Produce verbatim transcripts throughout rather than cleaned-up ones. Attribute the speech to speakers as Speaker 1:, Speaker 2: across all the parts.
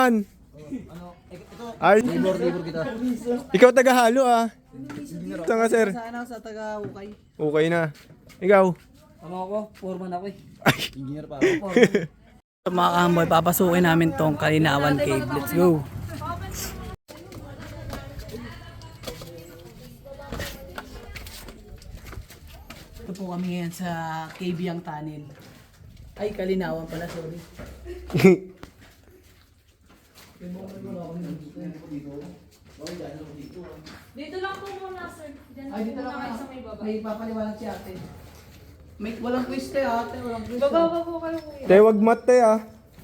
Speaker 1: Ano?
Speaker 2: Ito,
Speaker 1: Ay,
Speaker 2: labor, labor kita.
Speaker 1: ikaw taga-halo ah. Ito nga sir.
Speaker 2: Sana sa taga-ukay.
Speaker 1: Okay na. Ikaw?
Speaker 2: Ano ako? Foreman ako eh.
Speaker 1: Ay.
Speaker 2: Engineer pa ako. Foreman. Mga kahamboy, papasukin namin tong Kalinawan Cave. Let's go. Ito po kami ngayon sa Cave Yang Tunnel. Ay, Kalinawan pala, sorry.
Speaker 3: Dito lang po muna, sir. Diyan
Speaker 2: Ay, dito lang
Speaker 3: kayo
Speaker 2: kayo.
Speaker 3: sa may baba.
Speaker 2: May papaliwanag si ate. May walang twist eh ate, walang twist.
Speaker 3: Bababa po kayo, kuya.
Speaker 1: Te, wag mate ah.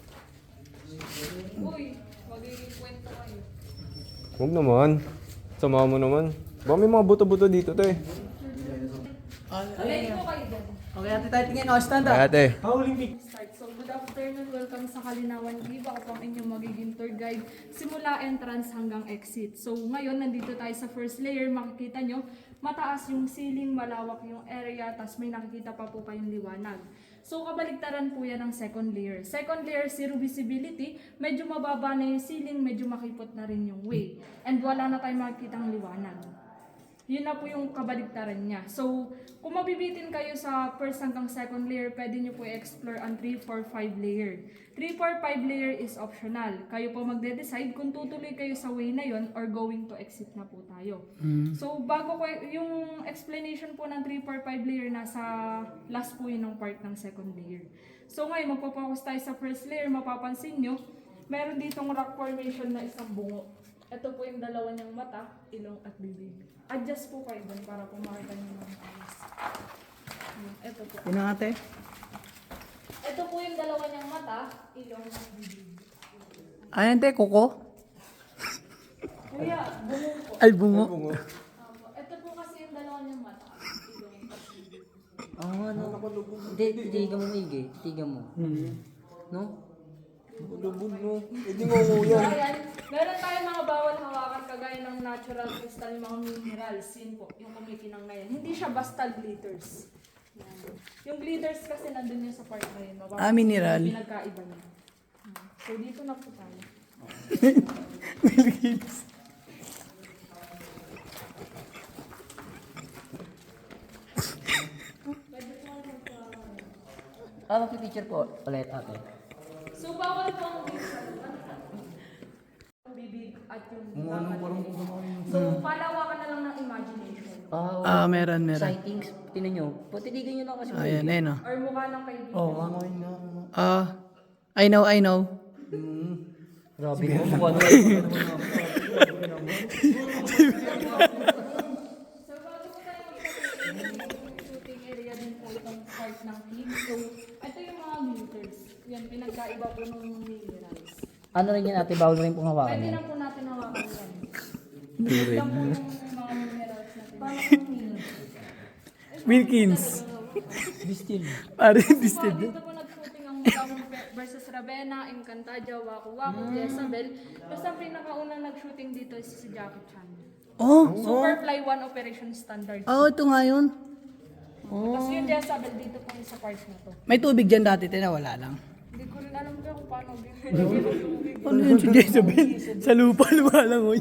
Speaker 3: Uy, magiging kwento kayo.
Speaker 1: Huwag naman. Sama mo naman. Baka may mga buto-buto dito, te.
Speaker 3: Ready po kayo dyan.
Speaker 2: Okay, ate tayo tingin. Oh, stand up.
Speaker 1: Ay, ate.
Speaker 3: Start. So, good afternoon. Welcome sa Kalinawan Cave. Ako po ang inyong magiging tour guide. Simula entrance hanggang exit. So, ngayon, nandito tayo sa first layer. Makikita nyo, mataas yung ceiling, malawak yung area, tas may nakikita pa po kayong liwanag. So, kabaligtaran po yan ng second layer. Second layer, zero visibility. Medyo mababa na yung ceiling, medyo makipot na rin yung way. And wala na tayong makikitang liwanag. Yun na po yung kabaligtaran niya. So, kung mabibitin kayo sa first hanggang second layer, pwede nyo po i-explore ang three, four, five layer. three, four, five layer is optional. Kayo po magde-decide kung tutuloy kayo sa way na yon or going to exit na po tayo. Mm. So, bago ko, yung explanation po ng three, four, five layer, nasa last po yun ng part ng second layer. So, ngayon, magpo-focus tayo sa first layer. Mapapansin nyo, meron ditong rock formation na isang bungo. Ito po yung dalawa niyang mata, ilong at bibig. Adjust po kayo dun para po makita niyo ng ayos. Ito po.
Speaker 2: Yun ang ate.
Speaker 3: Ito po yung dalawa niyang mata, ilong at bibig.
Speaker 2: Ayan te, kuko.
Speaker 3: Kuya, bungo po.
Speaker 2: Ay, bungo.
Speaker 3: Opo. Ito po kasi yung dalawa niyang mata, ilong at bibig.
Speaker 4: Ah, ano? Hindi, titigan mo maigi. Titigan mo. No?
Speaker 1: Lubog no. Hindi mo kuya.
Speaker 3: So, ayan, meron tayong mga bawal hawakan kagaya ng natural crystal, yung mga minerals, yun po, yung kumikinang na yan. Hindi siya basta glitters. Yan. Yung glitters kasi nandun yun sa part na yun. Mababa-
Speaker 2: Ah, mineral.
Speaker 3: yung Pinagkaiba niya. Hmm. So, dito na po tayo.
Speaker 4: Ah, magpipicture po. Ulit, ate.
Speaker 3: So, bawal po ang ang bibig at yung So, palawakan na lang ng imagination.
Speaker 4: Ah,
Speaker 2: Ah, meron, meron.
Speaker 4: sightings. Tinan nyo. Po, titigan nyo lang kasi.
Speaker 2: Ayan, ayun oh.
Speaker 3: Or mukha ng kaibigan.
Speaker 2: Oh, ah. I know, I know.
Speaker 4: Grabe mo. Mukha na.
Speaker 3: So, bago po tayo magpapalagay, yung shooting area din po itong part ng team. So, ito yung mga glitters. Yan, pinagkaiba po ng minerals.
Speaker 4: Ano rin yan ate? Bawal rin pong hawakan
Speaker 3: Pwede
Speaker 4: yan.
Speaker 3: na po natin hawakan yan. Ito lang po yung mga minerals natin. Paano kung minerals?
Speaker 2: Wilkins.
Speaker 4: Distil.
Speaker 2: Pare,
Speaker 3: So,
Speaker 2: distil.
Speaker 3: dito po nag-shooting ang Mutawang versus Ravenna, Encantadia, Waku Waku, Jezabel. Tapos ang pinakaunang nag-shooting dito is si Jackie Chan.
Speaker 2: Oh,
Speaker 3: Superfly one Operation Standard.
Speaker 2: oh, ito nga yun.
Speaker 3: Tapos yung Jezabel dito po sa part na to.
Speaker 2: May tubig dyan dati, tina, wala lang.
Speaker 3: Hindi ko rin alam kaya kung paano ginagawa yung tubig.
Speaker 2: Ano yun si Jezebel? Sa lupa, lupa lang, oy.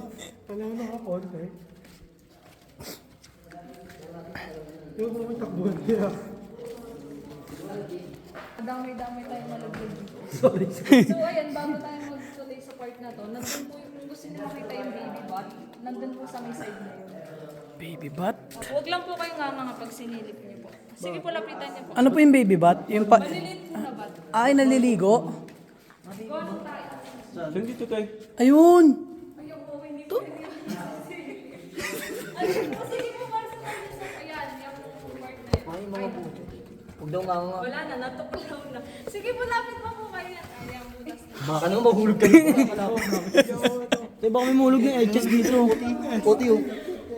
Speaker 3: Dami-dami tayong malaglag dito. So ayan, bago tayo magtuloy sa part na to, nandun po yung kung gusto niyo makita yung baby bot, nandun po sa may side na yun.
Speaker 2: Baby bat?
Speaker 3: Huwag lang po kayong nga mga pag sinilip niyo po. Sige po, lapitan niyo po.
Speaker 2: Ano po yung baby bat? Yung pa...
Speaker 3: Maliliit po na bot.
Speaker 2: Ay, naliligo?
Speaker 3: Go lang tayo.
Speaker 1: Saan dito tayo?
Speaker 2: Ayun!
Speaker 3: Ayun po, hindi ko rin yun. Ayun po, sige po, para sa part na ayan, yung part na yun.
Speaker 4: Ay, mga puto. Huwag daw nga nga.
Speaker 3: Wala na, natuklaw na. Sige po, lapit pa po kayo. Ayan, butas na.
Speaker 4: Baka naman mahulog ka dito.
Speaker 2: Tayo baka may mulog na H S dito.
Speaker 4: Puti oh.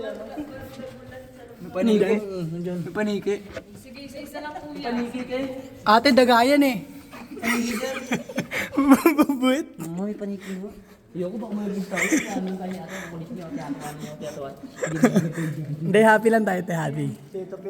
Speaker 2: May paniki.
Speaker 4: May paniki.
Speaker 3: Sige, isa-isa lang po yan.
Speaker 2: Ate, dagayan eh. Mabubuit.
Speaker 4: May paniki mo. Ayoko baka mahulog tayo. Ano tayo ate? Kulit niyo. Tiyatuan niyo. Tiyatuan.
Speaker 2: Hindi, happy lang tayo, te, happy.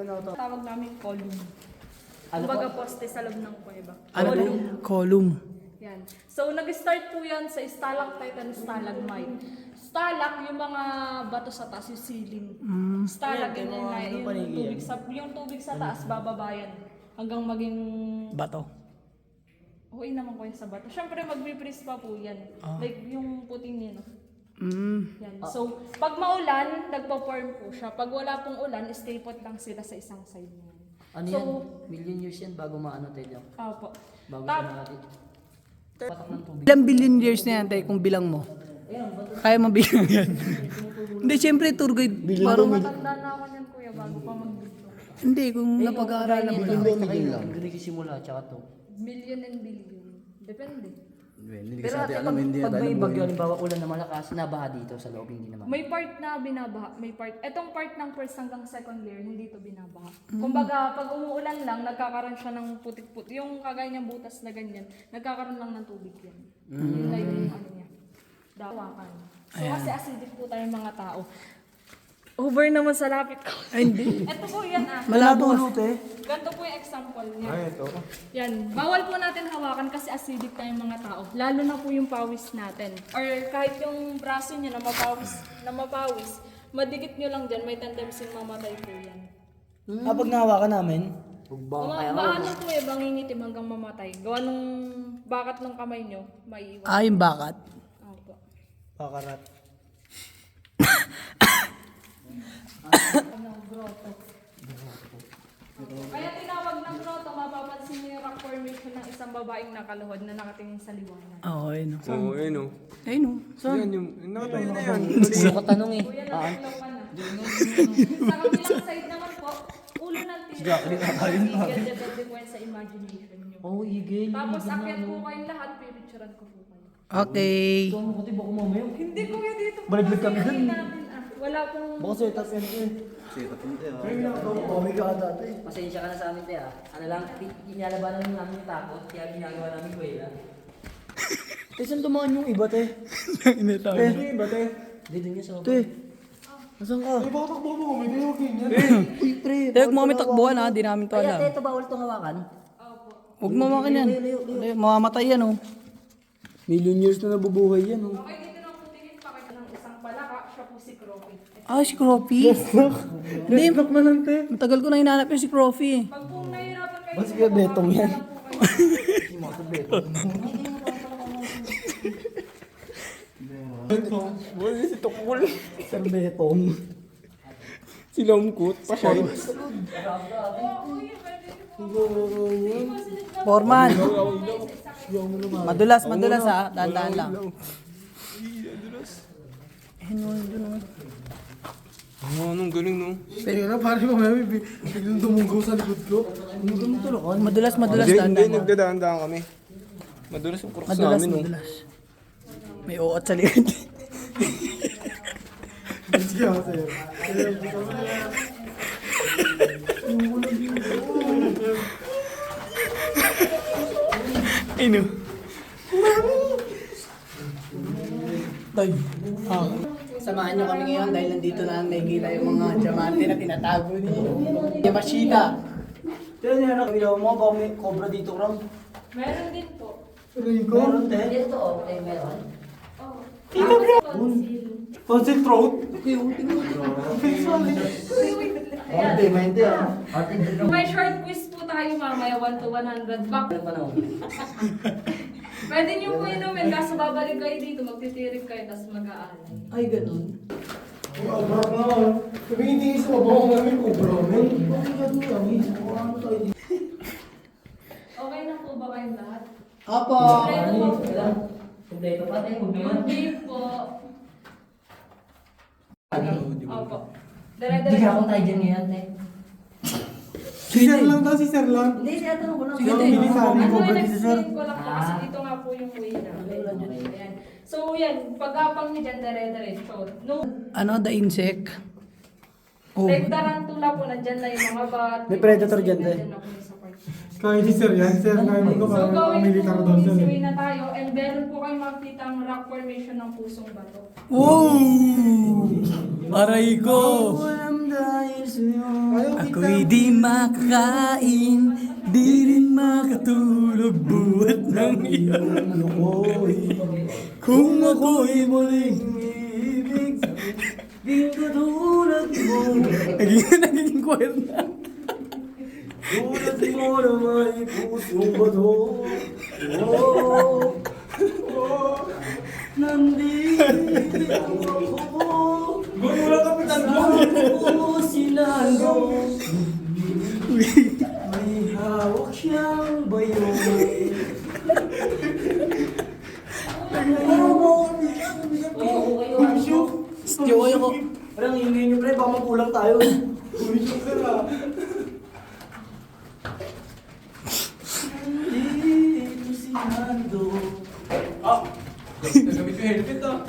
Speaker 3: Tawag namin column. Kumbaga poste sa loob ng kuweba.
Speaker 2: Ano po? Column.
Speaker 3: Yan. So, nag-start po yan sa stalactite and stalagmite. Stalak, yung mga bato sa taas, yung ceiling. Stalak,
Speaker 4: Yan,
Speaker 3: yun
Speaker 4: yung
Speaker 3: yung,
Speaker 4: mga
Speaker 3: yung,
Speaker 4: panigi
Speaker 3: tubig sa, yung tubig sa taas, bababayan. Hanggang maging...
Speaker 2: Bato.
Speaker 3: Okay naman ko yung sa bato. Siyempre, magbe-freeze pa po yan. Like, yung puting yan.
Speaker 2: Mm.
Speaker 3: Yan. So, pag maulan, nagpo-form po siya. Pag wala pong ulan, stay put lang sila sa isang side niyan.
Speaker 4: Ano
Speaker 3: So,
Speaker 4: yan? Million years yan bago maano tayo.
Speaker 3: Opo.
Speaker 4: Bago
Speaker 3: Tap-
Speaker 4: siya natin. Patak ng tubig.
Speaker 2: Ilang billion years na yan, tayo, kung bilang mo? Kaya mo bilang yan. Hindi, syempre, tour guide. Parang,
Speaker 3: Matanda na ako niyan, kuya, bago pa mag-dito.
Speaker 2: hindi, kung napag-aaralan mo lang.
Speaker 4: Ang galing simula, tsaka to.
Speaker 3: Million and billion. Depende.
Speaker 4: Pero ate, pag, pag may bagyo, halimbawa ulan na malakas, nabaha dito sa loob, hindi naman.
Speaker 3: May part na binabaha, may part. Etong part ng first hanggang second layer, hindi to binabaha. Kumbaga, pag umuulan lang, nagkakaroon siya ng putik-putik. Yung kagaya niyang butas na ganyan, nagkakaroon lang ng tubig yan. Yun lang yung ano niya. Dawakan. So, kasi acidic po tayong mga tao. Over naman sa lapit ko.
Speaker 2: Ay, hindi.
Speaker 3: Ito po yan ah.
Speaker 2: Malabo.
Speaker 3: Ganito po yung example niya.
Speaker 1: Ay, ito.
Speaker 3: Yan. Bawal po natin hawakan kasi acidic tayong mga tao. Lalo na po yung pawis natin. Or kahit yung braso niya na mapawis, na mapawis, madikit nyo lang dyan, may tendency mamatay po yan.
Speaker 2: Kapag nahawakan namin,
Speaker 4: Bugbang
Speaker 3: Mga
Speaker 4: kaya ako.
Speaker 3: baano po eh, bangingitim hanggang mamatay. Gawa nung bakat ng kamay nyo, maiiwan.
Speaker 2: ah, yung bakat.
Speaker 3: Opo.
Speaker 2: Bakarat.
Speaker 3: Ano, grotto. Kaya tinawag ng grotto, mapapansin niyo yung rock formation ng isang babaeng nakaluhod na nakatingin sa liwanag.
Speaker 2: Oo, ayun o.
Speaker 1: Oo, ayun o.
Speaker 2: Ayun o.
Speaker 1: Yan yung, yung nakatayo na yan.
Speaker 4: Gusto ko tanong eh.
Speaker 3: Kuya,
Speaker 4: Ah,
Speaker 3: nagulaw ka na. Sa kabilang side naman po, ulo ng tira. Eagle, depende sa imagination nyo.
Speaker 4: oh, igil.
Speaker 3: Tapos akyat po kayong lahat, pipicturean ko po kayo.
Speaker 2: Okay.
Speaker 4: Ito, ano ko baka mamaya.
Speaker 3: Hindi kuya dito po.
Speaker 4: Baliktad kami
Speaker 3: kasi
Speaker 4: dun.
Speaker 3: natin, ah. Wala pong...
Speaker 4: Baka setup yan eh. Pasensya ka na sa amin te ah. Ano lang, inalabanan lang namin yung takot, kaya ginagawa namin kuwela. Te, saan tumahan yung iba te?
Speaker 2: Inita.
Speaker 1: Hindi ba, te?
Speaker 4: Dito niya sa
Speaker 2: Te.
Speaker 4: Nasaan ka?
Speaker 1: Ay, baka takbo mo, may tayo ganyan.
Speaker 4: Uy, pre.
Speaker 2: Te, huwag mo kami takbuhan ha, di namin to
Speaker 4: Kaya te,
Speaker 2: alam.
Speaker 4: ito bawal itong hawakan?
Speaker 2: Huwag mo makin yan. Hindi, mamamatay yan o.
Speaker 4: Million years na nabubuhay yan oh.
Speaker 3: Okay, dito na po tingin pa kayo ng isang palaka. Siya po si Croppy.
Speaker 2: Ah, si Croppy. Hindi, matagal ko na hinanap yung si Croppy.
Speaker 3: Pag po nahihirapan kayo...
Speaker 4: Mas kaya betong yan.
Speaker 1: Wala si Tukul.
Speaker 4: Sir Betong.
Speaker 1: Si Longkut, pa siya.
Speaker 2: Foreman. Madulas, madulas ha. Dahan-dahan lang. Ayun o, dun o.
Speaker 1: Oo, anong galing, no?
Speaker 5: Kaya na, pare ko, may biglang dumunggaw sa likod ko.
Speaker 2: Madulas, madulas,
Speaker 1: Hindi, hindi,
Speaker 2: dahan-dahan.
Speaker 1: nagdadaan-daan kami. Madulas yung crooks
Speaker 2: Madulas,
Speaker 1: namin, no?
Speaker 2: madulas. May uot sa likod.
Speaker 5: Sige ako sa'yo.
Speaker 2: Ayun o. Tay. Ah. Samahan nyo kami ngayon dahil nandito na nakikita yung mga diamante na tinatago ni Yamashita.
Speaker 4: Pero niya na kami mo, baka may cobra dito ram.
Speaker 3: Meron din po.
Speaker 4: Meron te? Dito oh, eh meron.
Speaker 3: Oh. Tapos tonsil.
Speaker 5: Tonsil throat?
Speaker 4: Arte, mente ah. Arte,
Speaker 3: May short quiz po tayo mamaya, one to one hundred. Back.
Speaker 4: Ano pa na?
Speaker 3: Pwede niyo po inumin, kaso babalik kayo dito, magtitirik kayo, tapos mag-aalay.
Speaker 4: Ay, ganun.
Speaker 5: Sabi hindi isa mabaho namin cobra.
Speaker 3: Okay na po ba kayong lahat?
Speaker 2: Apo.
Speaker 3: Kompleto po.
Speaker 4: Kompleto pa tayo, kompleto.
Speaker 3: Hindi po. Opo.
Speaker 4: Hindi
Speaker 3: Dire-diretso.
Speaker 4: ka akong tayo dyan ngayon, te.
Speaker 5: Si Sir lang daw, si Sir lang.
Speaker 4: Hindi, siya tanong ko lang.
Speaker 5: Sige, te. Hindi sa amin,
Speaker 3: Ano
Speaker 5: cobra
Speaker 3: yung
Speaker 5: dito, Sir.
Speaker 3: explain ko lang po kasi dito nga po yung way na. Ayan. So yan, pag-apang niyo dyan, dire-diretso. No,
Speaker 2: Ano, the insect? Oh.
Speaker 3: like tarantula po, nandyan na yung mga bat.
Speaker 4: May predator dyan, te.
Speaker 3: Nandyan na po yung sa part.
Speaker 5: Kaya si Sir yan. Sir namin ko,
Speaker 3: So
Speaker 5: parang
Speaker 3: going
Speaker 5: militar
Speaker 3: to
Speaker 5: daw Sir.
Speaker 3: easy
Speaker 5: eh.
Speaker 3: way na tayo and meron po kayong makikita ang rock formation ng pusong bato.
Speaker 2: Wow! Aray ko!
Speaker 5: Ayaw,
Speaker 2: Ako'y di makakain Di rin makatulog buhat ng iyong lukoy. Kung ako'y muling ibig, di katulad mo. Naging, naging choir na. Tulad mo na may pusong bato. Oh, oh, nandito ako. Gano'n lang kapitan mo. Ako sinando. May hawak siyang bayo.
Speaker 4: Oo, kayo, ano?
Speaker 2: Stiyo kayo ko.
Speaker 4: Parang ingay nyo, pre. Baka magulang tayo.
Speaker 2: Nandito si Nando.
Speaker 1: Nagamit ko helmet ah.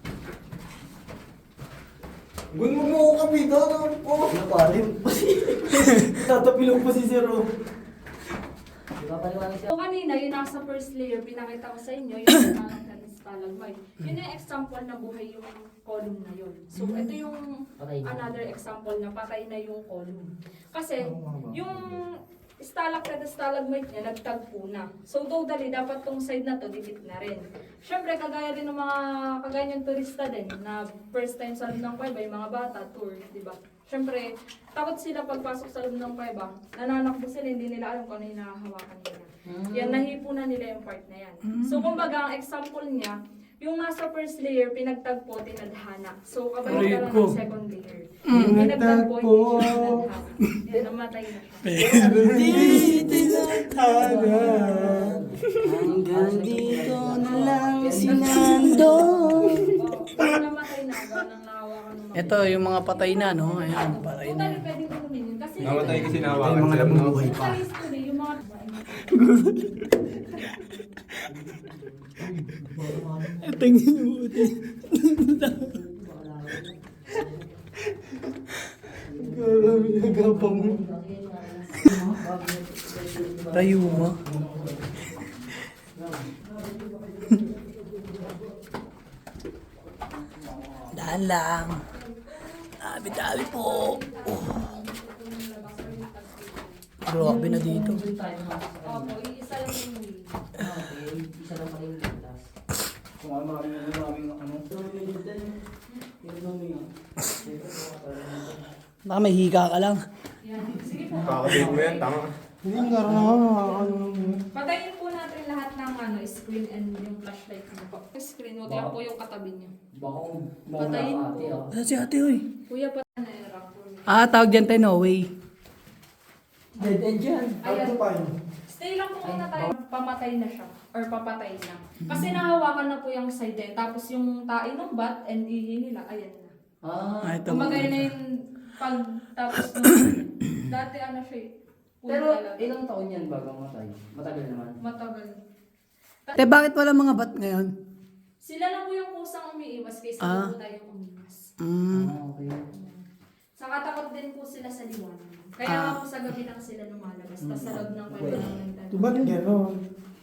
Speaker 5: Gun mo mo ako kapitan. Oh.
Speaker 2: Ano pa rin? Tatapilog pa si Zero.
Speaker 4: Di ba paliwanag siya?
Speaker 3: So kanina, yung nasa first layer, pinakita ko sa inyo, yung stalactite and stalagmite. Yun yung example na buhay yung column na yun. So ito yung
Speaker 4: Patay na.
Speaker 3: another example na patay na yung column. Kasi yung stalactite at stalagmite niya, nagtagpo na. So totally, dapat tong side na to, dikit na rin. Siyempre, kagaya din ng mga, kagaya yung turista din, na first time sa loob ng Cueva, yung mga bata, tour, di ba? Siyempre, takot sila pagpasok sa loob ng Cueva, nananakbo sila, hindi nila alam kung ano yung nakahawakan nila. Yan, nahipo na nila yung part na yan. So, kumbaga, ang example niya, yung nasa first layer, pinagtagpo, tinadhana. So, kabalik ka lang ng second layer. Yung pinagtagpo, hindi siya tinadhana. Yan, namatay na siya.
Speaker 2: Di tinatana. Hanggang dito na lang si Nando.
Speaker 3: Oo, namatay na, ganang nahawakan ng mga.
Speaker 2: Ito yung mga patay na, no? Ayan, patay na.
Speaker 3: Totally, pwedeng kunin yun. Kasi,
Speaker 1: Namatay kasi
Speaker 2: Ito
Speaker 1: nahawakan
Speaker 2: yung mga
Speaker 1: sila. no?
Speaker 2: nabubuhay pa.
Speaker 3: sa history, yung mga
Speaker 2: Tingin mo ito. Grabe nagapang mo. Tayo mo. Daan lang. Dami-dami po. Oh. Grabe na dito.
Speaker 3: Opo, iisa lang yung way.
Speaker 4: Okay, isa lang pala yung ligtas.
Speaker 5: Kung ano maraming ano maraming ano.
Speaker 2: Baka may hika ka lang.
Speaker 3: Yan. Sige po.
Speaker 1: Kakabit mo yan, tama.
Speaker 5: Hindi nga rin ako nakakano.
Speaker 3: Patayin po natin lahat ng ano, screen and yung flashlight niyo po. Screen, huwag lang po yung katabi niyo.
Speaker 4: Baka kung
Speaker 3: Patayin
Speaker 4: mauna
Speaker 3: po.
Speaker 4: ate ah.
Speaker 2: Ano si ate, oy?
Speaker 3: Kuya pa na era po.
Speaker 2: Ah, tawag dyan tayo, no way.
Speaker 4: Dead end yan.
Speaker 3: Ayan.
Speaker 5: pa yun?
Speaker 3: Stay lang po muna tayo. Pamatay na siya. Or papatay na. Kasi nahawakan na po yung side din. Tapos yung tae ng bat and ihi nila, ayan na.
Speaker 4: Ah,
Speaker 2: Ah, ito.
Speaker 3: Kumagay na yung pag tapos nung dati ano siya eh. Puno
Speaker 4: pero
Speaker 3: talaga.
Speaker 4: ilang taon yan bago matay? Matagal naman.
Speaker 3: Matagal.
Speaker 2: Te, bakit wala mga bat ngayon?
Speaker 3: Sila na po yung kusang umiiwas kaysa
Speaker 2: Ah.
Speaker 3: po tayo umiwas.
Speaker 2: Mm.
Speaker 4: Ah, okay.
Speaker 3: Saka takot din po sila sa liwanag. Kaya
Speaker 2: Ah.
Speaker 3: nga po sa gabi lang sila lumalabas. Tapos sa loob ng kwento lang nagtatanong.
Speaker 5: Ba't gano'n?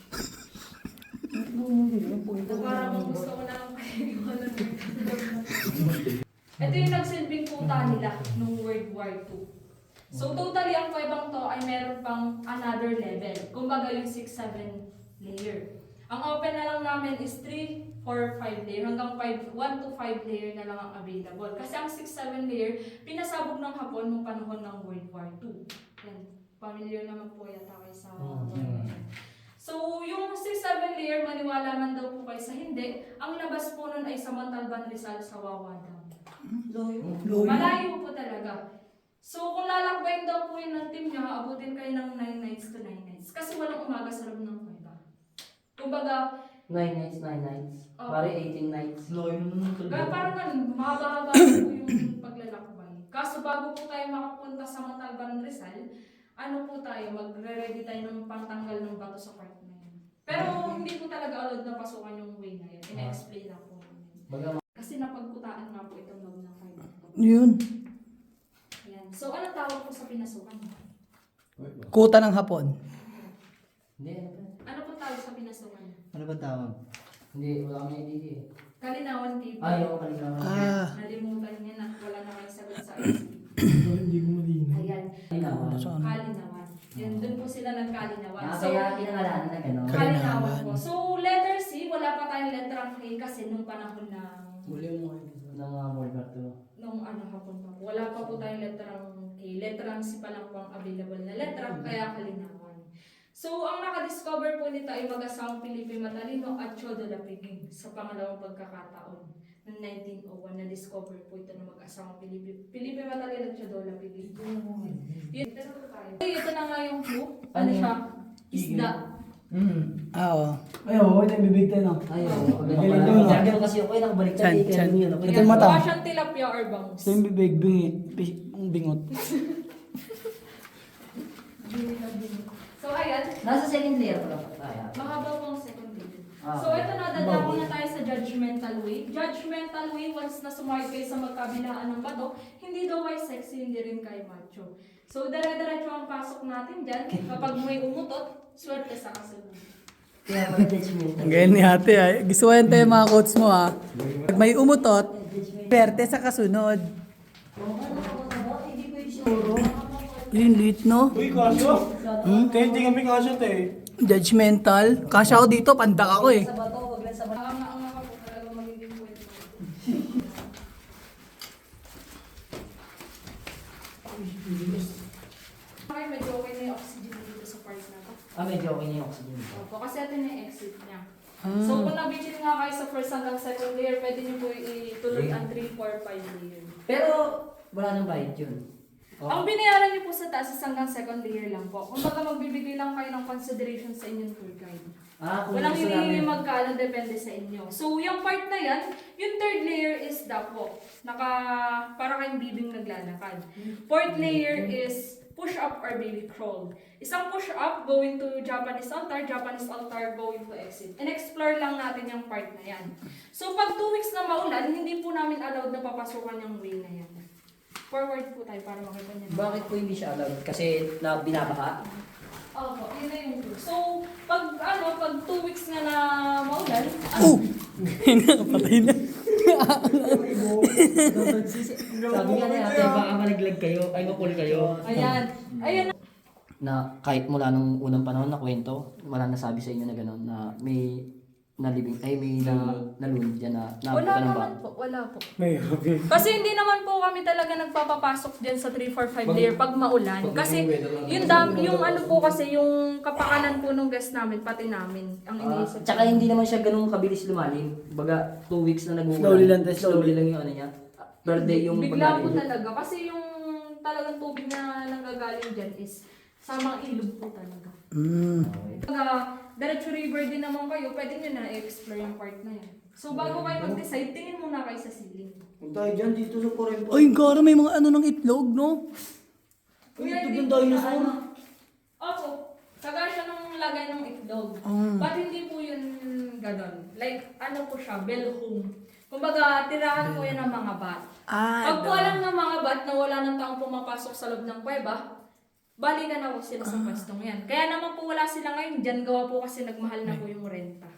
Speaker 3: Parang gusto ko lang kayo wala nagtatanong. Ito yung nagsilbing puta nila nung World War Two. So totally ang kuwebang to ay meron pang another level. Kumbaga yung six seven layer. Ang open na lang namin is three, four, five layer. Hanggang five, one to five layer na lang ang available. Kasi ang six seven layer, pinasabog ng Hapon nung panahon ng World War Two. Yan. Familiar naman po yata kayo sa So, yung six seven layer, maniwala man daw po kayo sa hindi, ang labas po nun ay sa Montalban Rizal sa Wawa Dam. Malayo po talaga. So, kung lalakbayin daw po yun ng team niya, abutin kayo ng nine nights to nine nights. Kasi walang umaga sa loob ng kuweba. Kumbaga,
Speaker 4: Nine nights, nine nights.
Speaker 3: Oh.
Speaker 4: Pare, eighteen nights.
Speaker 3: kaya parang ganun, mahaba-haba po yung paglalakbay. Kaso bago po tayo makapunta sa Montalban Rizal, ano po tayo, magre-ready tayo ng pangtanggal ng bato sa part na yun. Pero hindi po talaga allowed na pasukan yung way na yun. Ina-explain lang po namin.
Speaker 4: Baga,
Speaker 3: Kasi napagkutaan nga po itong loob ng kuweba.
Speaker 2: Yun.
Speaker 3: Ayan. So, ano tawag po sa pinasukan?
Speaker 2: Kuta ng hapon.
Speaker 4: hindi, ano ba?
Speaker 3: Ano po tawag sa pinasukan?
Speaker 5: Ano ba tawag?
Speaker 4: Hindi, wala kami idea eh.
Speaker 3: Kalinawan T V.
Speaker 4: Ay, oo, kanina.
Speaker 2: Ah.
Speaker 3: Nalimutan niya na wala na kayong sagot sa I C.
Speaker 5: Hindi ko malinaw.
Speaker 3: Ayan.
Speaker 4: Kanina.
Speaker 2: Saan?
Speaker 3: Kalinawan. Yan, dun po sila nagkalinawan.
Speaker 4: Ah,
Speaker 3: So,
Speaker 4: kaya pinangalanan na gano'n.
Speaker 3: kalinawan po. So, letter C, wala pa tayong letrang K kasi nung panahon ng
Speaker 2: Muli mo kayo.
Speaker 4: Ng mga Walmart to.
Speaker 3: nung ano hapon pa po. Wala pa po tayong letrang K. Letrang C pa lang po ang available na letra, kaya kalinawan. So, ang nakadiscover po nito ay mag-asawang Felipe Matalino at Chodo Lapiging sa pangalawang pagkakataon ng nineteen oh one. Na-discover po ito ng mag-asawang Felipe, Felipe Matalino at Chodo Lapiging. Yun, ito po tayo. Ito na nga yung clue. Ano
Speaker 4: Ano
Speaker 3: siya? Isda.
Speaker 2: Mm. Ah, oo. Ay, oo, ito yung bibig tayo, no?
Speaker 4: Ay, oo.
Speaker 2: Galing
Speaker 4: Galing
Speaker 2: doon, ah.
Speaker 4: Gano'n kasi ako ay nakabaliktad
Speaker 2: Chan,
Speaker 4: eh. Kaya
Speaker 2: chan.
Speaker 4: yun.
Speaker 2: Ito
Speaker 3: Yan,
Speaker 2: yung mata.
Speaker 3: mukha siyang tilapia or bangus.
Speaker 2: Ito yung bibig, bingi, bi- bingot.
Speaker 3: So, ayan.
Speaker 4: Nasa second layer pa lang tayo.
Speaker 3: Mahaba po ang second layer.
Speaker 4: Ah,
Speaker 3: So, ito na, dadako
Speaker 4: baboy.
Speaker 3: na tayo sa judgmental way. Judgmental way, once na sumakit kayo sa magkabilaan ng bato, hindi daw kayo sexy, hindi rin kayo macho. So, dire-diretso ang pasok natin dyan. Kapag may umutot, swerte sa kasunod.
Speaker 4: Kaya pala judgmental.
Speaker 2: Ganyan ni ate, ay. Gusto ko yan tayo mga quotes mo, ha? Pag may umutot, perte sa kasunod.
Speaker 4: Hindi pwede siguro.
Speaker 2: Yung lit, no?
Speaker 5: Uy, kasyo? Hmm? Kaya hindi kami kasyo, te.
Speaker 2: Judgmental. Kasya ako dito, pandak ako eh.
Speaker 4: Sa bato, wag lang sa bato.
Speaker 3: Ang ang nga po talaga magiging kwento. Okay, medyo okay na yung oxygen dito sa part na to.
Speaker 4: Ah, medyo okay na yung oxygen.
Speaker 3: Opo, kasi ito na yung exit niya. So, kung nabigyan nga kayo sa first hanggang second layer, pwede niyo po ituloy ang three, four, five layer.
Speaker 4: Pero, wala nang bayad yun. Oh.
Speaker 3: Ang binayaran niyo po sa taas is hanggang second layer lang po. Kung baga magbibigay lang kayo ng consideration sa inyong tour guide.
Speaker 4: Ah, kung
Speaker 3: Walang
Speaker 4: gusto
Speaker 3: hinihingi
Speaker 4: namin.
Speaker 3: magkano, depende sa inyo. So, yung part na yan, yung third layer is the po. Naka, para kayong bibing naglalakad. Fourth layer is push up or baby crawl. Isang push up going to Japanese altar, Japanese altar going to exit. And explore lang natin yung part na yan. So, pag two weeks na maulan, hindi po namin allowed na papasukan yung way na yan. Forward po tayo para makita niyo.
Speaker 4: Bakit po hindi siya allowed? Kasi na binabaha?
Speaker 3: Opo, yun na yung clue. So, pag ano, pag two weeks nga na maulan,
Speaker 2: Oh! Nakapatay na.
Speaker 4: Sabi nga na ate, baka malaglag kayo, ay mapul kayo.
Speaker 3: ayan. Ayan
Speaker 4: Na kahit mula nung unang panahon na kwento, wala nasabi sa inyo na gano'n na may nalibing, ay may na, nalunod dyan na
Speaker 3: Wala
Speaker 4: naabutan ng
Speaker 3: naman
Speaker 4: ba?
Speaker 3: po, wala po.
Speaker 5: May, okay.
Speaker 3: Kasi hindi naman po kami talaga nagpapapasok dyan sa three, four, five layer pag maulan. Kasi yung, dam, yung ano po kasi, yung kapakanan po nung guest namin, pati namin, ang
Speaker 4: Ah,
Speaker 3: iniisip.
Speaker 4: tsaka hindi naman siya ganun kabilis lumalim. Baga, two weeks na nag-uulan.
Speaker 2: Slowly lang, te,
Speaker 4: Slowly lang yung ano niya. Per day yung
Speaker 3: Bigla po
Speaker 4: paglalim.
Speaker 3: talaga. Kasi yung talagang tubig na nanggagaling dyan is samang ilog po talaga.
Speaker 2: Mm.
Speaker 3: Pag uh, Diretso River din naman kayo, pwede nyo na i-explore yung part na yan. So bago kayo mag-decide, tingin muna kayo sa ceiling.
Speaker 5: Kung tayo dyan dito sa Corrento.
Speaker 2: Ay, gara, may mga ano ng itlog, no?
Speaker 3: Kuya,
Speaker 5: itlog
Speaker 3: hindi
Speaker 5: ng
Speaker 3: po siya
Speaker 5: dinosaur.
Speaker 3: ano. Opo, kaga siya ng lagay ng itlog.
Speaker 2: Mm.
Speaker 3: But hindi po yun ganon. Like, ano po siya, bell home. Kumbaga, tirahan po yan ng mga bat.
Speaker 2: Ah,
Speaker 3: Pag po alam ng mga bat na wala ng taong pumapasok sa loob ng kuweba, balikan na po sila sa pwestong yan. Kaya naman po wala sila ngayon dyan, gawa po kasi nagmahal na po yung renta.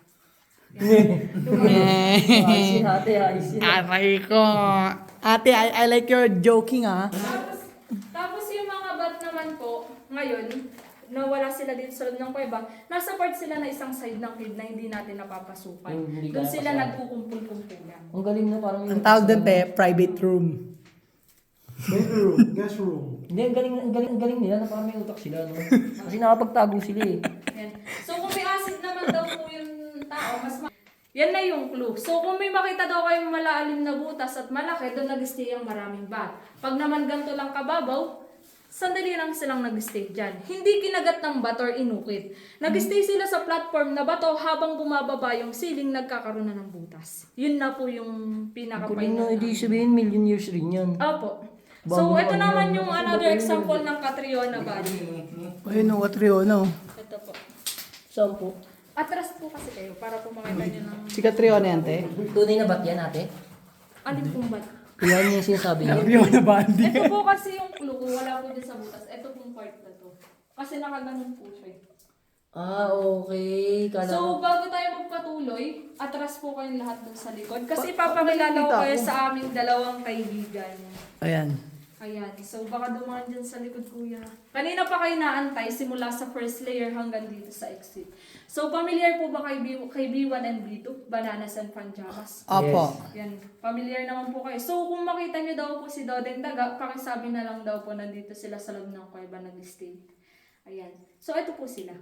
Speaker 4: Ayos yun ate, ayos yun.
Speaker 2: Aray ko. Ate, I, I like your joking, ah.
Speaker 3: Tapos, tapos yung mga bat naman po, ngayon, na wala sila dito sa loob ng kuweba, nasa part sila na isang side ng cave na hindi natin napapasukan.
Speaker 4: Yung hindi
Speaker 3: Doon
Speaker 4: kaya
Speaker 3: sila
Speaker 4: pasyahan.
Speaker 3: nagkukumpul-kumpulan.
Speaker 4: Ang galing na parang
Speaker 2: Ang tawag doon, te, private room.
Speaker 5: Bedroom, guest room.
Speaker 4: Hindi, ang galing, ang galing, ang galing nila na parang may utak sila, no? Kasi nakapagtago sila eh.
Speaker 3: Yan. So kung may acid naman daw po yung tao, mas ma- yan na yung clue. So kung may makita daw kayong malalim na butas at malaki, doon nag-stay ang maraming bat. Pag naman ganito lang kababaw, sandali lang silang nag-stay dyan. Hindi kinagat ng bato or inukit. Nag-stay sila sa platform na bato habang bumababa yung ceiling, nagkakaroon na ng butas. Yun na po yung
Speaker 4: Galing
Speaker 3: pinaka-final.
Speaker 4: na, hindi sabihin million years rin yan.
Speaker 3: Opo. So ito naman yung another example ng Catriona Valley.
Speaker 2: Ayun, no, what Rio, no?
Speaker 3: Ito po.
Speaker 4: Saan po?
Speaker 3: Atras po kasi kayo para po makita nyo ng...
Speaker 2: Si Catriona yan, te.
Speaker 4: Tunay na ba't yan ate?
Speaker 3: Alin pong bat?
Speaker 4: Yan yung sinasabi niya.
Speaker 2: Rio na bandi.
Speaker 3: Ito po kasi yung clue, kung wala po dyan sa butas. Ito pong part na to. Kasi nakaganon po siya. eh.
Speaker 4: Ah, okay. Kala
Speaker 3: So,
Speaker 4: ko.
Speaker 3: bago tayo magpatuloy, atras po kayong lahat dun sa likod. Kasi papakilala ko kayo sa aming dalawang kaibigan.
Speaker 2: Ayan.
Speaker 3: Ayan. So, baka dumaan dyan sa likod, kuya. Kanina pa kayo naantay simula sa first layer hanggang dito sa exit. So, familiar po ba kay, B- kay B one and B two? Bananas and Panjamas?
Speaker 2: Opo.
Speaker 3: Yan. Familiar naman po kayo. So, kung makita nyo daw po si Dodeng Daga, pakisabi na lang daw po nandito sila sa loob ng kuweba nag-stay. Ayan. So, ito po sila.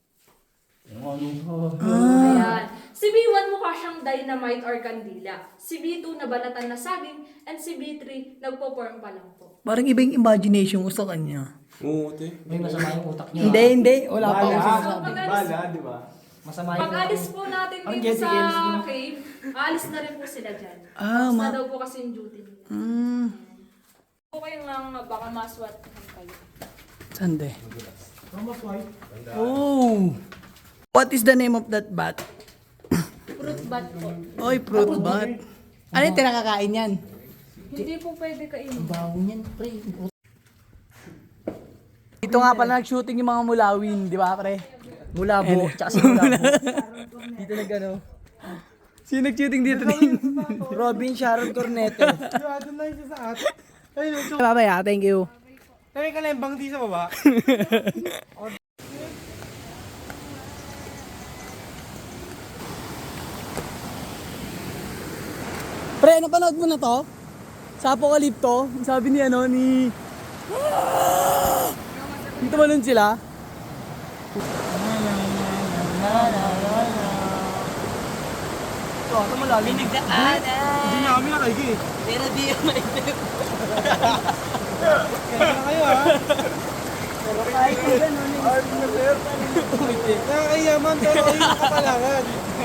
Speaker 3: Ayan. Si B one mukha siyang dynamite or kandila. Si B two nabalatan na saging. And si B three nagpo-form pa lang po.
Speaker 2: Parang iba yung imagination ko sa kanya.
Speaker 1: Oo, te.
Speaker 4: May masama yung utak niya.
Speaker 2: Hindi, hindi. Wala pa akong
Speaker 3: So,
Speaker 2: sinasabi.
Speaker 3: pag-alis,
Speaker 1: di ba?
Speaker 4: Masama yung
Speaker 3: pag-alis po natin
Speaker 4: Ang
Speaker 3: dito
Speaker 4: Jessica Ellis
Speaker 3: sa
Speaker 4: mo.
Speaker 3: cave, aalis na rin po sila dyan.
Speaker 2: Ah,
Speaker 3: Tapos na
Speaker 2: ma-
Speaker 3: daw po kasi yung duty nila.
Speaker 2: Mm.
Speaker 3: Okay lang, baka maswat kayo.
Speaker 2: Sande. Oh. What is the name of that bat?
Speaker 3: Fruit bat po.
Speaker 2: Oy, fruit bat. Ano yung tinakakain yan?
Speaker 3: Hindi po pwede kainin.
Speaker 4: bawo niyan, pre.
Speaker 2: Dito nga pala nag-shooting yung mga mulawin, di ba, pre?
Speaker 4: Mulabo, tsaka si Mulabo. Dito na gano.
Speaker 2: Sino nag-shooting dito din?
Speaker 4: Robin Sharon Cornete.
Speaker 5: Doon lang siya sa atin. Ayun, so,
Speaker 2: Babay ah, thank you.
Speaker 5: tayo ka lang bang di sa baba.
Speaker 2: Pre, napanood mo na to? Sa Apocalypto, sabi ni ano, ni... Dito ba nun sila? Ito, ito malalim.
Speaker 5: Hindi na kami nakaigi eh.
Speaker 2: Pero di yung maitip.
Speaker 5: Kaya na kayo ha.
Speaker 2: Kahit yung gano'n,
Speaker 5: Nakakayaman pero kayo nakapalangan.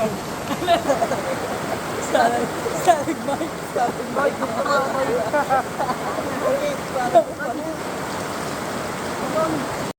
Speaker 2: Static bike. Static bike. Static bike.